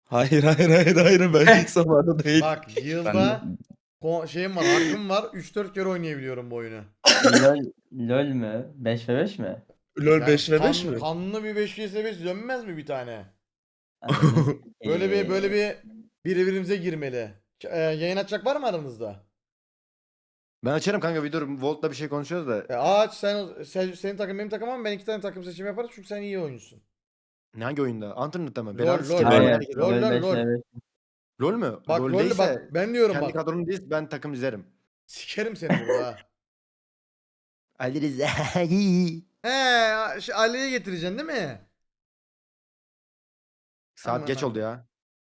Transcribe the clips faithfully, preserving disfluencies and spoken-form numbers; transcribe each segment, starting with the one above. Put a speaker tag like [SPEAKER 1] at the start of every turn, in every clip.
[SPEAKER 1] Hayır, hayır, hayır, hayır. Bence hiç zamanı değil.
[SPEAKER 2] Bak
[SPEAKER 3] Ben
[SPEAKER 2] yılda ko- şeyim var, hakkım var. üç dört kere oynayabiliyorum bu oyunu.
[SPEAKER 3] LOL LOL mü? beş ve beş mi?
[SPEAKER 1] LoL
[SPEAKER 2] Yani
[SPEAKER 1] beş ve beş
[SPEAKER 2] kan,
[SPEAKER 1] mi?
[SPEAKER 2] kanlı bir beş vs beş dönmez mi bir tane?
[SPEAKER 3] Ananı
[SPEAKER 2] Böyle bir böyle
[SPEAKER 3] sikeyim.
[SPEAKER 2] bir birbirimize girmeli. Ş- e, yayın açacak var mı aranızda?
[SPEAKER 4] Ben açarım kanka bir dur. Volt'la bir şey konuşuyoruz da.
[SPEAKER 2] E, aç sen, sen senin takım benim takım ama ben iki tane takım seçimi yaparım çünkü sen iyi oyuncusun.
[SPEAKER 4] Hangi oyunda? Antrenör'de mi?
[SPEAKER 2] LOL
[SPEAKER 4] Belanı
[SPEAKER 2] lol
[SPEAKER 4] sikeyim.
[SPEAKER 2] lol.
[SPEAKER 4] Ben
[SPEAKER 3] Hayır.
[SPEAKER 4] herkes
[SPEAKER 2] LOL
[SPEAKER 3] LOL
[SPEAKER 2] lol
[SPEAKER 3] beş
[SPEAKER 2] lol.
[SPEAKER 3] ve beş.
[SPEAKER 4] LOL mü?
[SPEAKER 2] Bak
[SPEAKER 4] LOL
[SPEAKER 2] LOL bak
[SPEAKER 4] değilse
[SPEAKER 2] ben diyorum
[SPEAKER 4] kendi
[SPEAKER 2] bak.
[SPEAKER 4] kadronun değil ben takım izlerim.
[SPEAKER 2] Sikerim seni burada ha.
[SPEAKER 4] Ali Rıza.
[SPEAKER 2] He, şey, Ali'ye getireceksin değil mi?
[SPEAKER 4] Saat geç
[SPEAKER 2] Aman
[SPEAKER 4] oldu ya.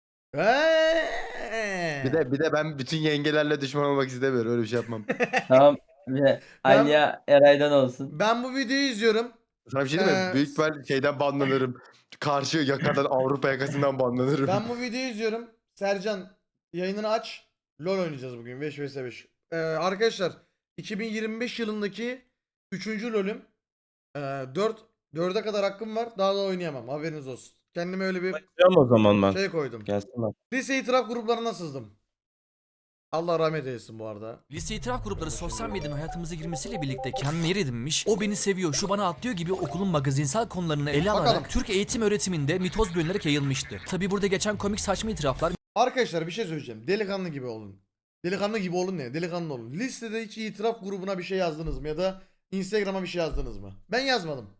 [SPEAKER 2] He.
[SPEAKER 4] Bir de bir de ben bütün yengelerle düşman olmak istemiyorum. Öyle bir şey yapmam.
[SPEAKER 3] Tamam. Ve
[SPEAKER 2] Ben-
[SPEAKER 3] Aliya Eray'dan olsun.
[SPEAKER 2] Ben bu videoyu izliyorum.
[SPEAKER 4] Sana bir şey diyeyim mi?
[SPEAKER 2] Ee,
[SPEAKER 4] Büyük ihtimal şeyden banlanırım. Karşı yakadan Avrupa yakasından banlanırım.
[SPEAKER 2] Ben bu videoyu izliyorum. Sercan yayınını aç. LoL oynayacağız bugün beş vs beş. Ee, arkadaşlar iki bin yirmi beş yılındaki üçüncü LoL'üm. Ee, dört dörde kadar hakkım var. Daha da oynayamam. Haberiniz olsun. Kendime öyle bir
[SPEAKER 1] Tamam o zaman ben.
[SPEAKER 2] şey koydum.
[SPEAKER 1] Gelsin lan.
[SPEAKER 2] Lise itiraf gruplarına sızdım. Allah rahmet eylesin bu arada.
[SPEAKER 5] Lise itiraf grupları sosyal medyanın hayatımıza girmesiyle birlikte kendine yer edinmiş, o beni seviyor, şu bana atlıyor gibi okulun magazinsel konularını ele alarak
[SPEAKER 2] Bakalım.
[SPEAKER 5] Türk eğitim öğretiminde mitoz bölünerek yayılmıştı. Tabi burada geçen komik saçma itiraflar
[SPEAKER 2] Arkadaşlar bir şey söyleyeceğim. Delikanlı gibi olun. Delikanlı gibi olun ne? Delikanlı olun. Listede hiç itiraf grubuna bir şey yazdınız mı? Ya da Instagram'a bir şey yazdınız mı? Ben yazmadım.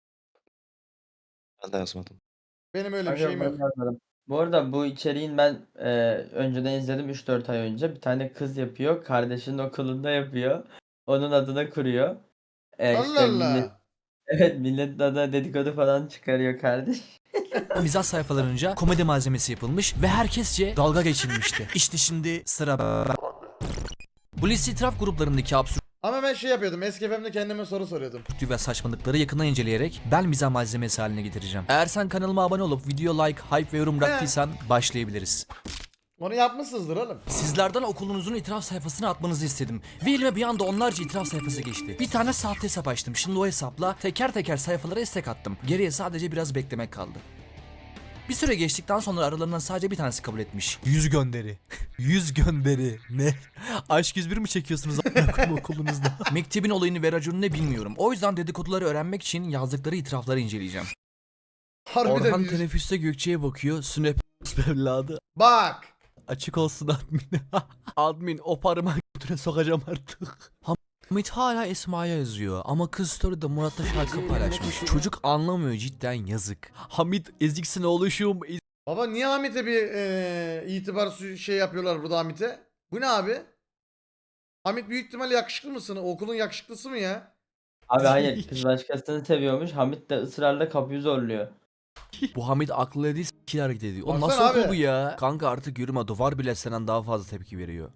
[SPEAKER 1] Ben de yazmadım.
[SPEAKER 2] Benim öyle bir
[SPEAKER 3] Kanka
[SPEAKER 2] şeyim
[SPEAKER 3] ben
[SPEAKER 2] yok.
[SPEAKER 3] yazmadım. Bu arada bu içeriğin ben e, önceden izledim üç dört ay önce. Bir tane kız yapıyor. Kardeşinin okulunda yapıyor. Onun adına kuruyor. E,
[SPEAKER 2] Allah
[SPEAKER 3] işte millet,
[SPEAKER 2] Allah.
[SPEAKER 3] evet milletin adına dedikodu falan çıkarıyor kardeş.
[SPEAKER 5] mizah sayfalarınca komedi malzemesi yapılmış ve herkesçe dalga geçilmişti. İşte şimdi sıra bu lise itiraf gruplarındaki absürt
[SPEAKER 2] Ama ben şey yapıyordum. Eski F M'de kendime soru soruyordum.
[SPEAKER 5] ve saçmalıkları yakından inceleyerek ben mizah malzemesi haline getireceğim. Eğer sen kanalıma abone olup video like, hype ve yorum bıraktıysan başlayabiliriz.
[SPEAKER 2] Onu yapmışsınızdır oğlum.
[SPEAKER 5] Sizlerden okulunuzun itiraf sayfasına atmanızı istedim. Ve elime bir anda onlarca itiraf sayfası geçti. Bir tane sahte hesap açtım. Şimdi o hesapla teker teker sayfalara istek attım. Geriye sadece biraz beklemek kaldı. Bir süre geçtikten sonra aralarından sadece bir tanesi kabul etmiş. Yüz gönderi. Yüz gönderi. Ne? Aşk yüz bir mi çekiyorsunuz a**ım okulunuzda? Mektebin olayını ve raconu ne bilmiyorum. O yüzden dedikoduları öğrenmek için yazdıkları itirafları inceleyeceğim.
[SPEAKER 2] Harbiden
[SPEAKER 5] Orhan
[SPEAKER 2] yüz-
[SPEAKER 5] teneffüste Gökçe'ye bakıyor. Sünep evladı.
[SPEAKER 2] Bak.
[SPEAKER 5] Açık olsun admin. Admin o parmağı götüne sokacağım artık. Hamit hala Esma'ya yazıyor ama kız story'de Murat'la şarkı paylaşmış. Çocuk anlamıyor, cidden yazık. Hamit eziksin oluşum.
[SPEAKER 2] Baba niye Hamit'e bir eee, itibar su- şey yapıyorlar burada Hamit'e? Bu ne abi? Hamit büyük ihtimalle yakışıklı mısın? Okulun yakışıklısı mı ya?
[SPEAKER 3] Abi hayır kız başkasını seviyormuş. Hamit de ısrarla kapıyı zorluyor.
[SPEAKER 5] Bu Hamit aklı dediği s**kil hareket ediyor. O
[SPEAKER 2] Baksana
[SPEAKER 5] nasıl
[SPEAKER 2] abi.
[SPEAKER 5] okul bu ya? Kanka artık yürüme, duvar bile senden daha fazla tepki veriyor.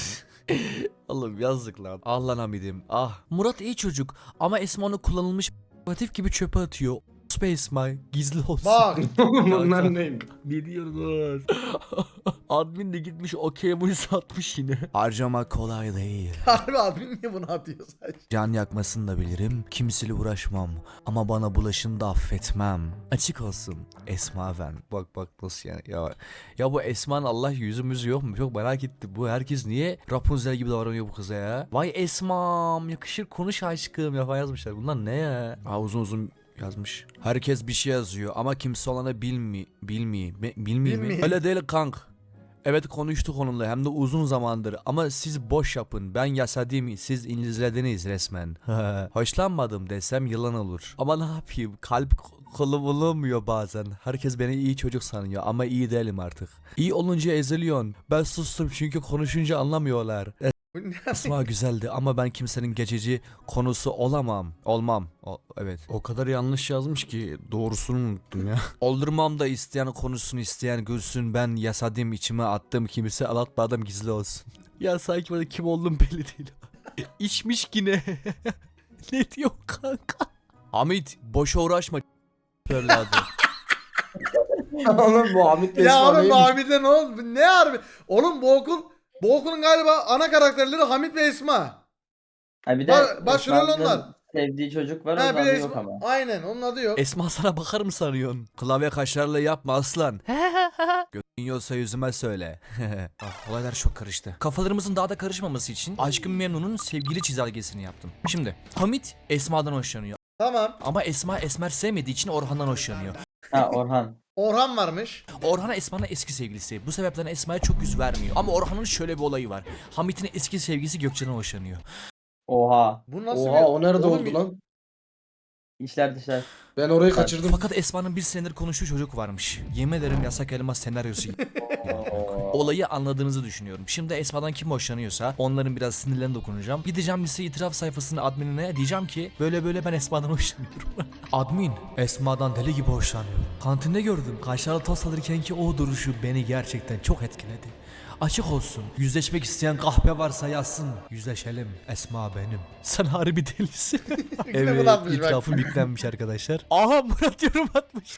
[SPEAKER 5] Oğlum yazık lan. Ah lan Hamid'im ah. Murat iyi çocuk ama Esma onu kullanılmış aktif gibi çöpe atıyor. Space My gizli olsun.
[SPEAKER 2] Bak.
[SPEAKER 1] Bunlar ne?
[SPEAKER 5] Ne diyorsunuz? Admin de gitmiş okey bunu satmış yine. Harcamak kolay değil.
[SPEAKER 2] Harbi admin niye bunu atıyor sadece?
[SPEAKER 5] Can yakmasını da bilirim. Kimseyle uğraşmam. Ama bana bulaşını da affetmem. Açık olsun. Esma ben. Bak bak nasıl yani. Ya, ya bu Esma'nın Allah yüzümüzü yok mu? Çok merak ettim. Bu herkes niye Rapunzel gibi davranıyor bu kıza ya? Vay Esma'm yakışır konuş aşkım ya falan yazmışlar. Bunlar ne ya? Aa, uzun uzun yazmış. Herkes bir şey yazıyor ama kimse olana bilmi bilmi be- bilmiyor mi?
[SPEAKER 2] Bilmi.
[SPEAKER 5] Öyle değil kank. Evet konuştuk onunla hem de uzun zamandır ama siz boş yapın, ben yasadım, siz İngilizlediniz resmen. Hoşlanmadım desem yalan olur. Ama ne yapayım, kalp kolum bulamıyor bazen. Herkes beni iyi çocuk sanıyor ama iyi değilim artık. İyi olunca eziliyorsun. Ben sustum çünkü konuşunca anlamıyorlar.
[SPEAKER 2] Bu ne?
[SPEAKER 5] Esma güzeldi ama ben kimsenin geçici konusu olamam. Olmam. O, evet. O kadar yanlış yazmış ki doğrusunu unuttum ya. Oldurmam da isteyen konusunu isteyen gülsün, ben yasadım içime attım kimse alatmadım gizli olsun. Ya sanki bana kim olduğum belli değil. İçmiş yine. Ne diyor kanka? Hamit boşa uğraşma evladı.
[SPEAKER 1] Oğlum bu Hamit
[SPEAKER 2] Ya
[SPEAKER 1] Esma
[SPEAKER 2] oğlum bu
[SPEAKER 1] neymiş?
[SPEAKER 2] Hamit'e ne oldu? Bu ne harbi? Oğlum bu okul bu okulun galiba ana karakterleri Hamit ve Esma.
[SPEAKER 3] Ha bir de
[SPEAKER 2] Ba- başrol
[SPEAKER 3] Esma'nın
[SPEAKER 2] onlar.
[SPEAKER 3] sevdiği çocuk var
[SPEAKER 2] Ha
[SPEAKER 3] onun
[SPEAKER 2] bir
[SPEAKER 3] adı
[SPEAKER 2] de
[SPEAKER 3] yok
[SPEAKER 2] Esma.
[SPEAKER 3] ama.
[SPEAKER 2] Aynen onun adı yok.
[SPEAKER 5] Esma sana bakar mı sanıyorsun? Klavye kaşlarla yapma aslan. Götün yiyorsa yüzüme söyle. Ah, olaylar çok karıştı. Kafalarımızın daha da karışmaması için Aşkın Memnun'un sevgili çizelgesini yaptım. Şimdi Hamit Esma'dan hoşlanıyor.
[SPEAKER 2] Tamam.
[SPEAKER 5] Ama Esma Esmer sevmediği için Orhan'dan hoşlanıyor.
[SPEAKER 3] Ha Orhan.
[SPEAKER 2] Orhan varmış.
[SPEAKER 5] Orhan Esma'nın eski sevgilisi. Bu sebepten Esma'ya çok yüz vermiyor. Ama Orhan'ın şöyle bir olayı var. Hamit'in eski sevgilisi Gökçen'e hoşlanıyor.
[SPEAKER 3] Oha.
[SPEAKER 2] Bu nasıl
[SPEAKER 1] Oha
[SPEAKER 2] bir...
[SPEAKER 1] o nerede
[SPEAKER 2] Oğlum,
[SPEAKER 1] oldu lan?
[SPEAKER 3] İşler dışlar.
[SPEAKER 1] Ben orayı kaçırdım.
[SPEAKER 5] Fakat Esma'nın bir senedir konuştuğu çocuk varmış. Yemin ederim Yasak Elma senaryosu gibi. Olayı anladığınızı düşünüyorum. Şimdi Esma'dan kim hoşlanıyorsa onların biraz sinirlerine dokunacağım. Gideceğim lise itiraf sayfasının adminine diyeceğim ki böyle böyle ben Esma'dan hoşlanıyorum. Admin Esma'dan deli gibi hoşlanıyor. Kantinde gördüm. Kaşarlı tost alırken ki o duruşu beni gerçekten çok etkiledi. Açık olsun. Yüzleşmek isteyen kahpe varsa yazsın. Yüzleşelim. Esma benim. Sen harbi delisin. Evet,
[SPEAKER 2] atmış bak.
[SPEAKER 5] itirafım yüklenmiş arkadaşlar. Aha Murat yorum atmış.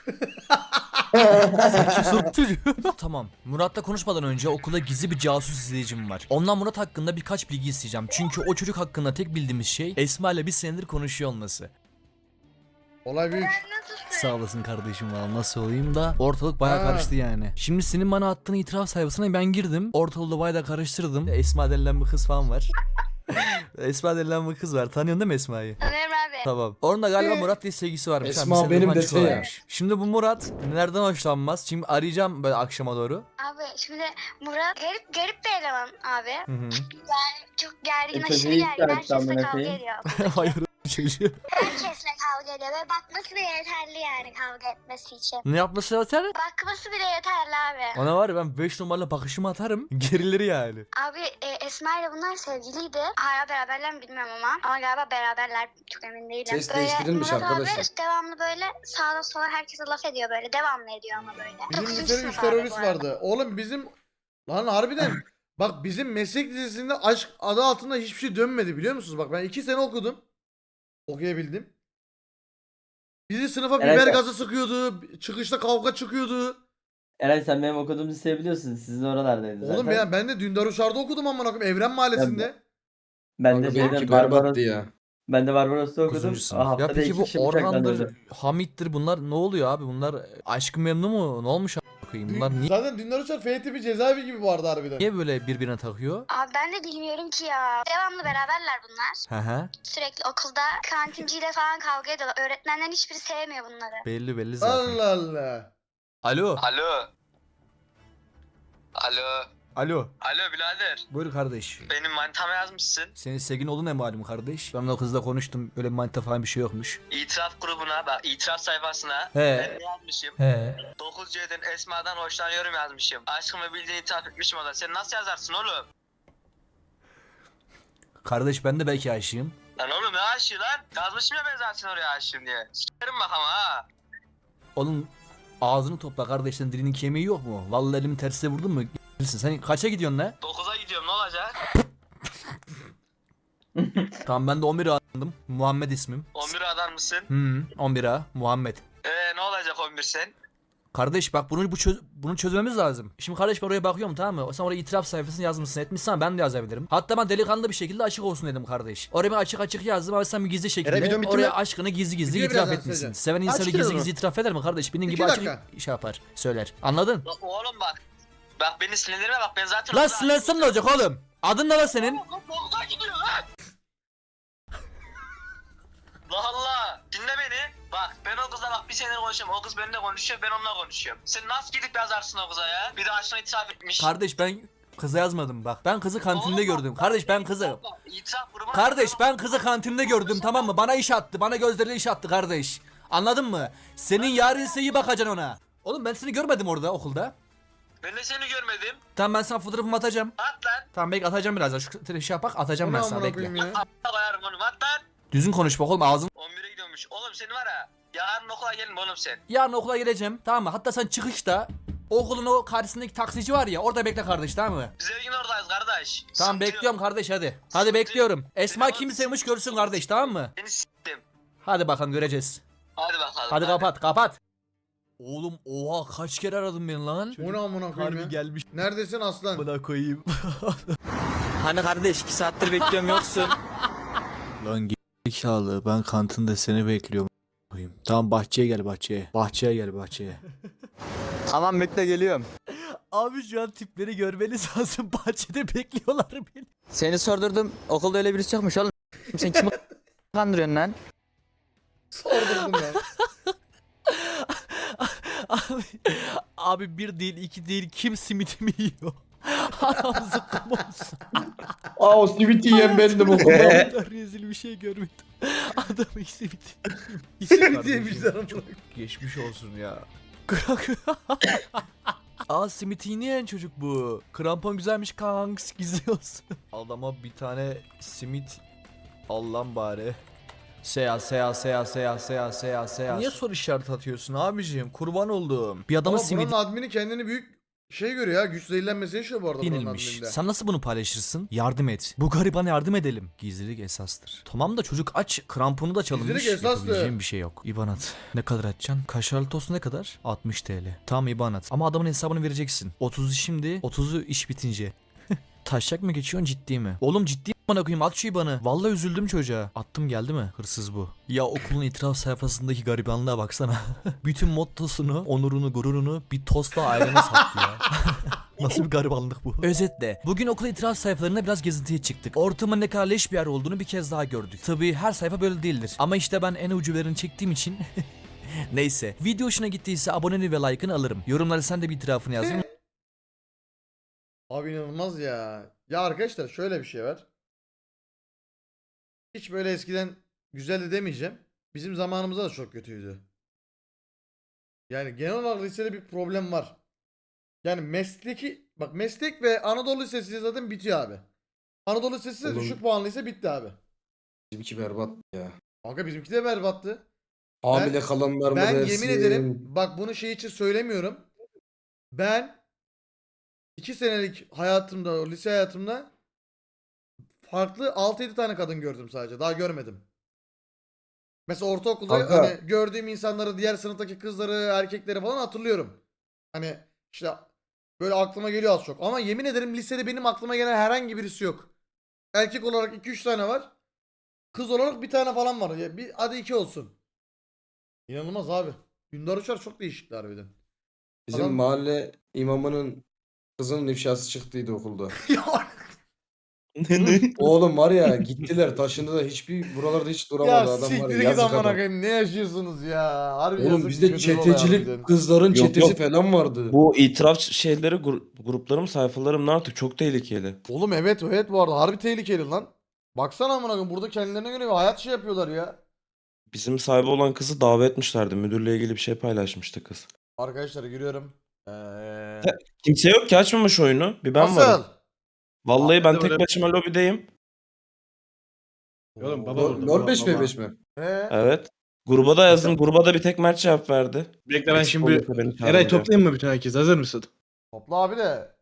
[SPEAKER 5] Sanki soru çocuğu. Tamam. Murat'la konuşmadan önce okulda gizli bir casus izleyicim var. Ondan Murat hakkında birkaç bilgi isteyeceğim. Çünkü o çocuk hakkında tek bildiğimiz şey Esma ile bir senedir konuşuyor olması.
[SPEAKER 2] Olay büyük.
[SPEAKER 5] Sağ olasın kardeşim valla nasıl olayım da ortalık baya
[SPEAKER 2] Ha.
[SPEAKER 5] karıştı yani. Şimdi senin bana attığın itiraf sayfasına ben girdim. Ortalığı baya da karıştırdım. Esma denilen bir kız falan var. Esma denilen bir kız var. Tanıyorsun değil mi Esma'yı?
[SPEAKER 6] Tanıyorum abi.
[SPEAKER 5] Tamam. Onun da galiba Murat diye sevgisi varmış.
[SPEAKER 1] Esma
[SPEAKER 5] Ha, bir senedir
[SPEAKER 1] benim
[SPEAKER 5] falan
[SPEAKER 1] dese ya.
[SPEAKER 5] çıkıyorlarmış. Şimdi bu Murat nereden hoşlanmaz? Şimdi arayacağım böyle akşama doğru.
[SPEAKER 6] Abi şimdi Murat garip garip bir eleman abi.
[SPEAKER 5] Hı hı.
[SPEAKER 6] Çok gergin,
[SPEAKER 3] E,
[SPEAKER 6] aşırı
[SPEAKER 3] çocuğu ilk
[SPEAKER 6] gergin.
[SPEAKER 3] tanıştı
[SPEAKER 6] Herkesle
[SPEAKER 3] amına
[SPEAKER 6] kavga
[SPEAKER 3] koyayım.
[SPEAKER 6] ediyor.
[SPEAKER 5] Hayır çocuğu.
[SPEAKER 6] Herkesle kavga ediyor ve bakması bile yeterli yani kavga etmesi için.
[SPEAKER 5] Ne yapması lazım?
[SPEAKER 6] Bakması bile yeterli abi.
[SPEAKER 5] Ona var ya ben beş numaralı bakışımı atarım. Gerilir yani.
[SPEAKER 6] Abi e, Esma ile bunlar sevgiliydi. Hala beraberler mi bilmiyorum ama. Ama galiba beraberler, çok emin değilim.
[SPEAKER 1] Ses değiştirilmiş
[SPEAKER 6] Murat
[SPEAKER 1] arkadaşlar.
[SPEAKER 6] abi devamlı böyle sağda sola herkese laf ediyor böyle. Devamlı ediyor ama böyle.
[SPEAKER 2] Bizim
[SPEAKER 6] Dokuzuncu
[SPEAKER 2] lisede üç
[SPEAKER 6] sınıf abi
[SPEAKER 2] terörist
[SPEAKER 6] bu arada.
[SPEAKER 2] vardı. Oğlum bizim... Lan harbiden... Bak bizim meslek lisesinde aşk adı altında hiçbir şey dönmedi biliyor musunuz? Bak ben iki sene okudum. Okuyabildim. Bizi sınıfa
[SPEAKER 3] Evet.
[SPEAKER 2] biber gazı sıkıyordu. Çıkışta kavga çıkıyordu.
[SPEAKER 3] Eray sen benim okuduğum liseyi biliyorsun. Sizin oralardaydı zaten.
[SPEAKER 2] Oğlum ya ben de Dündar Uşar'da okudum amına koyayım. Evren Mahallesi'nde.
[SPEAKER 3] Ben de
[SPEAKER 1] Kanka
[SPEAKER 3] şeyden
[SPEAKER 1] benimki
[SPEAKER 3] Barbaros,
[SPEAKER 1] berbattı ya.
[SPEAKER 3] ben de Barbaros'ta okudum.
[SPEAKER 5] Dokuzuncu sınıf.
[SPEAKER 3] Aa,
[SPEAKER 5] Ya
[SPEAKER 3] haftada
[SPEAKER 5] peki
[SPEAKER 3] iki
[SPEAKER 5] bu
[SPEAKER 3] kişi bıçaklandı.
[SPEAKER 5] Orhan'dır, Hamit'tir bunlar ne oluyor abi? Bunlar Aşkın Memnu mu? Ne olmuş a**ına koyayım? Bunlar niye,
[SPEAKER 2] Zaten Dündar Uşar F tipi cezaevi gibi vardı harbiden.
[SPEAKER 5] niye böyle birbirine takıyor?
[SPEAKER 6] Abi ben de bilmiyorum ki ya. Devamlı beraberler bunlar.
[SPEAKER 5] Hı hı.
[SPEAKER 6] Sürekli okulda kantinciyle falan kavga ediyorlar. Öğretmenlerin hiçbiri sevmiyor bunları.
[SPEAKER 5] Belli belli zaten.
[SPEAKER 2] Allah Allah.
[SPEAKER 5] Alo.
[SPEAKER 7] Alo. Alo.
[SPEAKER 5] Alo.
[SPEAKER 7] Alo birader.
[SPEAKER 5] Buyur kardeş.
[SPEAKER 7] Benim manitama yazmışsın.
[SPEAKER 5] Senin sevgin oldu ne malum kardeş? Ben o kızla konuştum. Böyle bir manita falan bir şey yokmuş.
[SPEAKER 7] İtiraf grubuna bak, itiraf sayfasına.
[SPEAKER 5] He.
[SPEAKER 7] Ben ne yazmışım?
[SPEAKER 5] He.
[SPEAKER 7] dokuz C'den Esma'dan hoşlanıyorum yazmışım. Aşkımı bildiğini itiraf etmişim o da. Sen nasıl yazarsın oğlum?
[SPEAKER 5] Kardeş ben de belki aşığım.
[SPEAKER 7] Lan oğlum ne aşığı lan? Yazmışım ya ben zaten oraya aşığım diye. Sikerim bak ama ha.
[SPEAKER 5] Oğlum ağzını topla kardeşten dilinin kemiği yok mu? Vallahi elimi tersine vurdun mu? Bilirsin. Sen kaça gidiyorsun lan?
[SPEAKER 7] dokuza gidiyorum ne olacak?
[SPEAKER 5] Tamam ben de on bire alındım. Muhammed ismim.
[SPEAKER 7] on bir adam mısın?
[SPEAKER 5] Hı, on bire Muhammed.
[SPEAKER 7] Eee ne olacak on bir sen?
[SPEAKER 5] Kardeş bak bunu bu çöz bunu çözmemiz lazım. Şimdi kardeş ben oraya bakıyorum tamam mı? Sen oraya itiraf sayfasını yazmışsın etmişsen ben de yazabilirim. Hatta ben delikanlı bir şekilde açık olsun dedim kardeş. Oraya ben açık açık yazdım ama sen bir gizli şekilde
[SPEAKER 4] videom bitti
[SPEAKER 5] oraya
[SPEAKER 4] mi?
[SPEAKER 5] aşkını gizli gizli
[SPEAKER 2] Video
[SPEAKER 5] itiraf
[SPEAKER 2] birazdan
[SPEAKER 5] etmişsin.
[SPEAKER 2] söyleyeceğim.
[SPEAKER 5] Seven insanı
[SPEAKER 2] Açık
[SPEAKER 5] gizli
[SPEAKER 2] yazın.
[SPEAKER 5] gizli itiraf eder mi kardeş? Benim
[SPEAKER 2] İki
[SPEAKER 5] gibi açık
[SPEAKER 2] dakika.
[SPEAKER 5] şey yapar söyler. Anladın?
[SPEAKER 7] Lan oğlum bak. Bak beni sinirlendirme bak ben zaten...
[SPEAKER 5] Lan sinirlensen ne olacak oğlum? Adın ne lan senin?
[SPEAKER 7] dokuza gidiyor lan. Allah Allah. Dinle beni. Bak ben o kızla bak bir senedir konuşuyorum. O kız benimle konuşuyor ben onunla konuşuyorum. Sen nasıl gidip yazarsın o kıza ya? Bir de aşkına itiraf etmiş.
[SPEAKER 5] Kardeş ben kıza yazmadım bak. Ben kızı kantinde
[SPEAKER 7] Oğlum bak,
[SPEAKER 5] gördüm.
[SPEAKER 7] bak,
[SPEAKER 5] Kardeş ben
[SPEAKER 7] bak,
[SPEAKER 5] kızı.
[SPEAKER 7] bak, İtiraf grubuna...
[SPEAKER 5] Kardeş ben kızı kantinde gördüm tamam mı? Bana iş attı. Bana gözleriyle iş attı kardeş. Anladın mı? Senin yarın ise iyi bakacaksın ona. Oğlum ben seni görmedim orada okulda.
[SPEAKER 7] Ben de seni görmedim.
[SPEAKER 5] Tamam ben sana fotoğrafımı atacağım.
[SPEAKER 7] At lan.
[SPEAKER 5] Tamam bekle atacağım birazdan. Şu şey yapak atacağım
[SPEAKER 2] Bu ne
[SPEAKER 5] ben sana
[SPEAKER 2] amına
[SPEAKER 5] bekle.
[SPEAKER 2] koyayım ya?
[SPEAKER 7] At koyarım onu at lan.
[SPEAKER 5] Düzgün konuş bak oğlum ağzın.
[SPEAKER 7] on bire gidiyormuş. Oğlum senin var ya. Yarın okula gelin oğlum sen.
[SPEAKER 5] Yarın okula geleceğim tamam mı? Hatta sen çıkışta okulun o karşısındaki taksici var ya orada bekle kardeş tamam mı?
[SPEAKER 7] Biz her gün oradayız kardeş.
[SPEAKER 5] Tamam
[SPEAKER 7] Sıkıntı
[SPEAKER 5] bekliyorum
[SPEAKER 7] yok.
[SPEAKER 5] kardeş hadi. Hadi
[SPEAKER 7] Sıkıntı
[SPEAKER 5] bekliyorum. Esma
[SPEAKER 7] Benim
[SPEAKER 5] kimi
[SPEAKER 7] adım-
[SPEAKER 5] sevmiş görsün kardeş tamam mı?
[SPEAKER 7] Seni s**tim.
[SPEAKER 5] Hadi bakalım göreceğiz.
[SPEAKER 7] Hadi bakalım.
[SPEAKER 5] Hadi kapat kapat. Oğlum oha kaç kere aradın beni lan?
[SPEAKER 2] Bu ne amına koyayım ya?
[SPEAKER 5] gelmiş.
[SPEAKER 2] Neredesin aslan?
[SPEAKER 5] Buna koyayım.
[SPEAKER 8] Hani kardeş iki saattir bekliyorum yoksun.
[SPEAKER 5] Lan gerizekalı ben kantinde seni bekliyorum. Tamam bahçeye gel bahçeye. Bahçeye gel bahçeye.
[SPEAKER 8] Tamam bekle geliyorum.
[SPEAKER 5] Abi şu an tipleri görmeniz lazım. Bahçede bekliyorlar beni.
[SPEAKER 8] Seni sordurdum. Okulda öyle birisi yokmuş oğlum. Sen kimi kandırıyorsun lan?
[SPEAKER 2] Sordurdum ya.
[SPEAKER 5] Abi, abi bir değil iki değil kim simitimi yiyor? Adam zıkkım olsun.
[SPEAKER 1] Aa o simit yiyen bendim okulda.
[SPEAKER 5] Ben rezil bir şey görmedim. Adamın simiti.
[SPEAKER 2] Simit yemişler amına.
[SPEAKER 5] Geçmiş olsun ya. Aa simiti yiyen çocuk bu. Krampon güzelmiş kanks gizli olsun. Adama bir tane simit al lan bari. Seya seya seya seya seya seya seya. Niye soru işareti atıyorsun abicim? Kurban oldum. Bir adamın
[SPEAKER 2] Ama
[SPEAKER 5] simidi
[SPEAKER 2] buranın admini kendini büyük şey görüyor ya. Güç zehirlenmesi yaşıyor bu arada buranın
[SPEAKER 5] yenilmiş.
[SPEAKER 2] admininde.
[SPEAKER 5] Sen nasıl bunu paylaşırsın? Yardım et. Bu garibana yardım edelim. Gizlilik esastır. Tamam da çocuk aç. Kramponu da çalınmış.
[SPEAKER 2] Gizlilik esastır.
[SPEAKER 5] Yapabileceğim bir şey yok. İban at. Ne kadar atacaksın? Kaşarlı tost ne kadar? altmış TL. Tamam İban at. Ama adamın hesabını vereceksin. otuzu şimdi, otuzu iş bitince. Taşak mı geçiyorsun ciddi mi? Oğlum ciddi mi bana koyayım at şu İban'ı. Vallahi üzüldüm çocuğa. Attım geldi mi? Hırsız bu. Ya okulun itiraf sayfasındaki garibanlığa baksana. Bütün mottosunu, onurunu, gururunu bir tostla ailene sattı ya. Nasıl bir garibanlık bu? Özetle bugün okul itiraf sayfalarına biraz gezintiye çıktık. Ortamın ne kadar leş bir yer olduğunu bir kez daha gördük. Tabii her sayfa böyle değildir. Ama işte ben en ucuberini çektiğim için... Neyse. Video hoşuna gittiyse aboneni ve like'ını alırım. Yorumlara sen de bir itirafını yaz.
[SPEAKER 2] Abi inanılmaz ya. Ya arkadaşlar şöyle bir şey var. Hiç böyle eskiden güzeldi demeyeceğim. Bizim zamanımızda da çok kötüydü. Yani genel olarak lisede bir problem var. Yani mesleki bak meslek ve Anadolu Lisesi zaten bitiyor abi. Anadolu Lisesi de
[SPEAKER 1] Oğlum.
[SPEAKER 2] düşük puanlıysa bitti abi.
[SPEAKER 1] Bizimki berbat ya.
[SPEAKER 2] Kanka bizimki de berbattı.
[SPEAKER 1] Hamile kalanlar mı
[SPEAKER 2] Ben
[SPEAKER 1] dersin?
[SPEAKER 2] yemin ederim bak bunu şey için söylemiyorum. Ben iki senelik hayatımda, o lise hayatımda farklı altı yedi tane kadın gördüm sadece. Daha görmedim. Mesela ortaokulda
[SPEAKER 1] Kanka.
[SPEAKER 2] hani gördüğüm insanları, diğer sınıftaki kızları, erkekleri falan hatırlıyorum. Hani işte böyle aklıma geliyor az çok. Ama yemin ederim lisede benim aklıma gelen herhangi birisi yok. Erkek olarak iki üç tane var. Kız olarak bir tane falan var. Ya bir, hadi iki olsun. İnanılmaz abi. Dündar Uçar çok değişikti harbiden.
[SPEAKER 1] Bizim
[SPEAKER 2] Adam-
[SPEAKER 1] mahalle imamının kızının ifşası çıktıydı okulda.
[SPEAKER 2] ya,
[SPEAKER 1] Oğlum var ya gittiler taşındı da hiçbir buralarda hiç duramadı
[SPEAKER 2] ya
[SPEAKER 1] adam var
[SPEAKER 2] siktir
[SPEAKER 1] ya
[SPEAKER 2] git
[SPEAKER 1] yazık
[SPEAKER 2] amına
[SPEAKER 1] adam.
[SPEAKER 2] koyayım. Ne yaşıyorsunuz ya? Harbi
[SPEAKER 1] Oğlum
[SPEAKER 2] yazık,
[SPEAKER 1] bizde
[SPEAKER 2] kötü bir olay
[SPEAKER 1] çetecilik
[SPEAKER 2] harbiden.
[SPEAKER 1] kızların
[SPEAKER 9] Yok,
[SPEAKER 1] çetesi
[SPEAKER 9] yok.
[SPEAKER 1] falan vardı.
[SPEAKER 9] Bu itiraf şeyleri gru- gruplarım sayfalarım artık çok tehlikeli.
[SPEAKER 2] Oğlum evet evet bu arada harbi tehlikeli lan. Baksana amına koyayım burada kendilerine göre bir hayat şey yapıyorlar ya.
[SPEAKER 9] Bizim sahibi olan kızı davet etmişlerdi. Müdürle ilgili bir şey paylaşmıştı kız.
[SPEAKER 2] Arkadaşlar giriyorum. Ee...
[SPEAKER 9] Kimse yok ki açmamış oyunu. Bir ben
[SPEAKER 2] Nasıl?
[SPEAKER 9] varım. Vallahi
[SPEAKER 1] Abi
[SPEAKER 9] ben
[SPEAKER 1] de
[SPEAKER 9] tek
[SPEAKER 1] böyle-
[SPEAKER 9] başıma lobideyim.
[SPEAKER 1] Oğlum baba LoL beş ve beş mi?
[SPEAKER 2] Ee?
[SPEAKER 9] Evet. Gruba da yazdım. Gruba da bir tek Mert cevap verdi.
[SPEAKER 10] Bekle ben
[SPEAKER 9] Eksik
[SPEAKER 10] şimdi
[SPEAKER 9] olursa beni çağırın
[SPEAKER 10] Eray
[SPEAKER 9] diye.
[SPEAKER 10] toplayayım mı bütün herkes? Hazır mısın?
[SPEAKER 2] Topla abi de.